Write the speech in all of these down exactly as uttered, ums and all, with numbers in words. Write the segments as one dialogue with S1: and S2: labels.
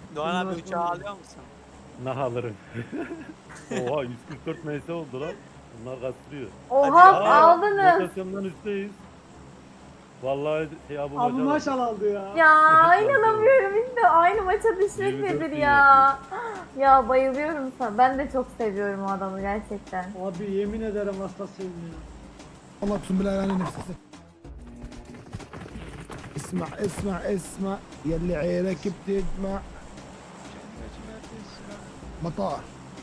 S1: Doğan abi uçağı alıyor musun?
S2: Nah alırım. Oha yüz kırk dört M S oldu lan. Bunlar kastırıyor.
S3: Oha
S1: Hadi
S2: Aa,
S3: aldınız.
S2: rotasyondan üstteyiz. Vallahi şey Abu
S4: Abi
S2: Macar oldu.
S4: maşallah aldı ya.
S3: Ya
S2: Evet,
S3: inanamıyorum işte aynı maça düşmek
S2: yirmi dört
S3: nedir
S2: bin
S3: ya. Ya bayılıyorum sana. Ben de çok seviyorum o adamı gerçekten.
S4: Abi yemin ederim hastasıyım ya.
S5: والله اقسم بالله انا نفسي اسمع اسمع اسمع يلي عينك بتدمع مطار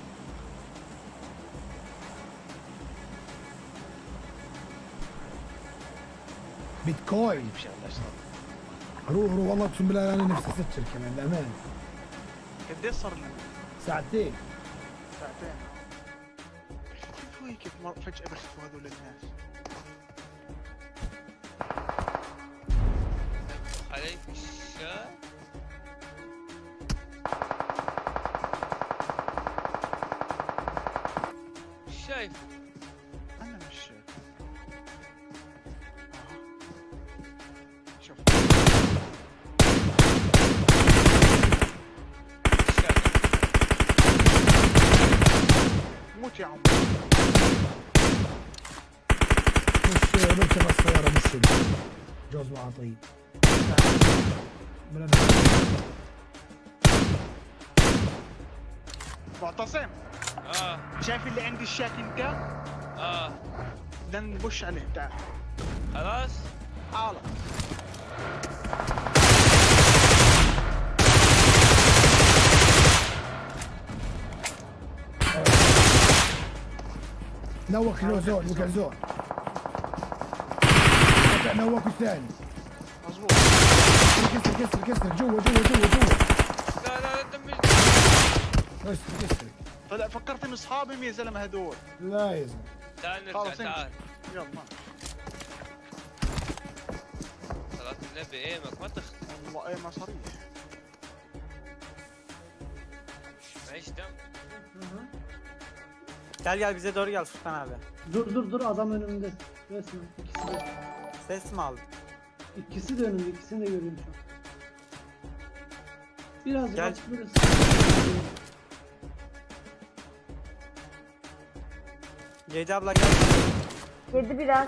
S5: بيتكوين روح روح والله اقسم بالله انا نفسي اسجل كمان بامان
S6: قديش صار لنا؟
S5: ساعتين
S6: ساعتين كيف هو كيف مر- فجأة بختفوا هذول الناس؟
S7: عليك الشاي. مش شايف.
S6: أنا مش شايف. شوف
S7: مش شايف.
S6: موت يا عم.
S5: مش بركب السيارة مش شد جوز وعطية بلا
S6: معتصم
S7: اه
S6: شايف اللي عندي الشاكن ده؟
S7: اه
S6: بدنا نبش عليه تعال
S7: خلاص.
S6: تعال
S5: نوك له زون وقع زون قطع نوك الثاني
S6: مظبوط
S5: كسر كسر كسر جوا جوا جوا جوا
S7: لا لا لا دمج.
S5: كسر كسر
S6: طلع فكرت ان اصحابهم يا زلمه هذول
S5: لا يا زلمه
S7: تعال نرجع
S6: خلاص
S7: تعال.
S6: امشي يلا
S7: صلاة النبي ايمك ما تخ
S6: والله ايه ما صريح
S7: معيش دم.
S1: Gel gel bize doğru gel Furkan abi.
S4: Dur dur dur adam önümde. Resmen ikisi de.
S1: Ses mi aldın?
S4: İkisi de önümde. İkisini de görüyorum şu an. Birazcık
S1: Gel.
S4: açık burası.
S1: Gece abla gel.
S3: Yedi biraz.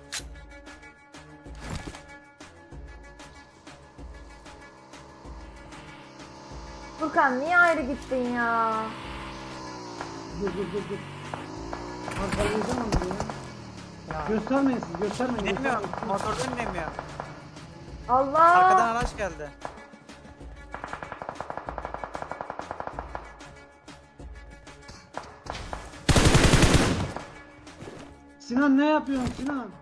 S3: Furkan niye ayrı gittin ya?
S4: Dur dur dur dur. Arkalayacağım onu ya.
S1: Ya.
S4: Göstermeyin siz göstermeyin.
S1: Dinlemiyorum.
S4: göstermeyin.
S1: Motor dinlemiyor.
S3: Allah.
S1: Arkadan araç geldi.
S4: Sinan ne yapıyorsun Sinan?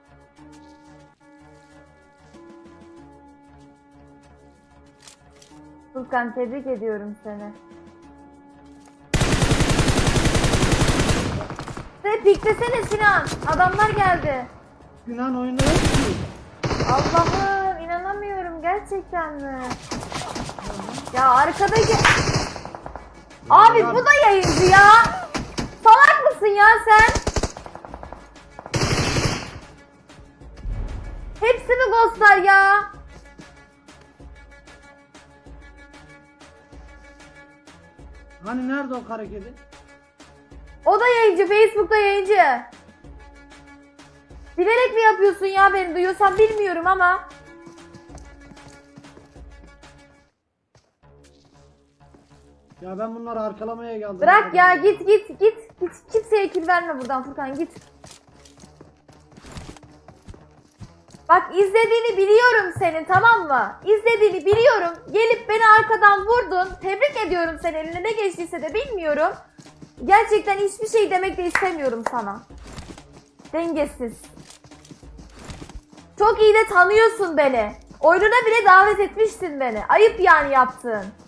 S3: Furkan tebrik ediyorum seni. Sen piklesene Sinan. Adamlar geldi.
S4: Sinan oyunda yok ki.
S3: Allah'ım inanamıyorum gerçekten mi? Ya arkadaki... Abi bu da yayıncı ya. Salak mısın ya sen? Hepsi mi ghostlar ya?
S4: Hani nerede o kara kedi?
S3: O da yayıncı, Facebook'ta yayıncı. Bilerek mi yapıyorsun ya beni duyuyorsan bilmiyorum ama.
S4: Ya ben bunları arkalamaya geldim.
S3: Bırak ya git git git. Git kimseye kill verme buradan Furkan git. Bak izlediğini biliyorum senin tamam mı? İzlediğini biliyorum. Gelip beni arkadan vurdun. Tebrik ediyorum seni eline ne geçtiyse de bilmiyorum. Gerçekten hiçbir şey demek de istemiyorum sana. Dengesiz. Çok iyi de tanıyorsun beni. Oyununa bile davet etmiştin beni. Ayıp yani yaptığın.